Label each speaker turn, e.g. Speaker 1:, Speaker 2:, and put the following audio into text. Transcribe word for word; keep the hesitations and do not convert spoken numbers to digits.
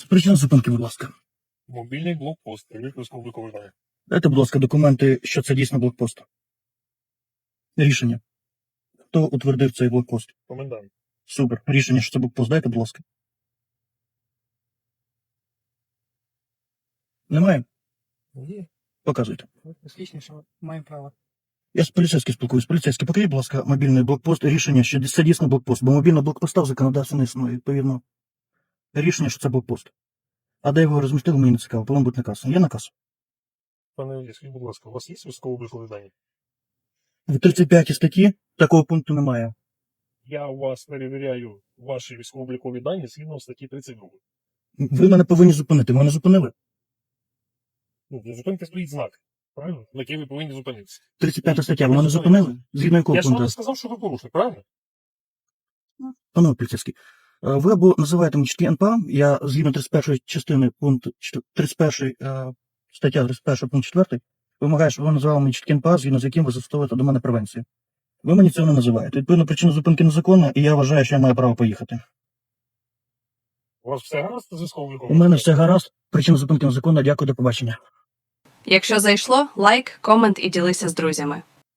Speaker 1: Причина зупинки, будь ласка.
Speaker 2: Мобільний блокпост, перевірка військово-облікових даних.
Speaker 1: Дайте, будь ласка, документи, що це дійсно блокпост. Рішення. Хто утвердив цей блокпост?
Speaker 2: Комендант.
Speaker 1: Супер. Рішення, що це блокпост, дайте, будь ласка. Немає?
Speaker 2: Є.
Speaker 1: Показуйте.
Speaker 3: Отлично, що маємо право.
Speaker 1: Я з поліцейським спілкуюсь. Поліцейський, покажіть, будь ласка, мобільний блокпост, рішення, що це дійсно блокпост, бо мобільного блокпоста в законодавстві не існує, відповідно. Рішення, що це блокпост. А де його розмістили, мені не цікаво, повинен бути наказ. Є наказ?
Speaker 2: Пане Іллі, скажіть, будь ласка, у вас є військово-облікові дані?
Speaker 1: В тридцять п'ятій статті такого пункту немає.
Speaker 2: Я у вас перевіряю ваші військово-облікові дані згідно статті тридцять два.
Speaker 1: Ви мене повинні зупинити. Ви мене зупинили?
Speaker 2: Ну, для зупинки стоїть знак, правильно? На який ви повинні зупинитися.
Speaker 1: тридцять п'ята стаття, ви мене зупинили? Згідно якого
Speaker 2: Я ж вам
Speaker 1: пункту?
Speaker 2: не сказав, що ви порушник, правильно?
Speaker 1: Панове поліцейський, е, ви або називаєте мені чіткий ен пе а, я згідно тридцять першої частини пункту тридцять першої е, стаття тридцять перша пункт четвертий вимагає, щоб ви називали мені чіткий ен пе а, згідно з яким ви застосовуєте до мене превенцію. Ви мені цього не називаєте. Відповідно, причина зупинки незаконна, і я вважаю, що я маю право поїхати.
Speaker 2: У вас все гаразд з
Speaker 1: У
Speaker 2: військово-обліковим?
Speaker 1: мене все гаразд, причина зупинки незаконна, дякую, до побачення.
Speaker 4: Якщо зайшло, лайк, комент і ділися з друзями.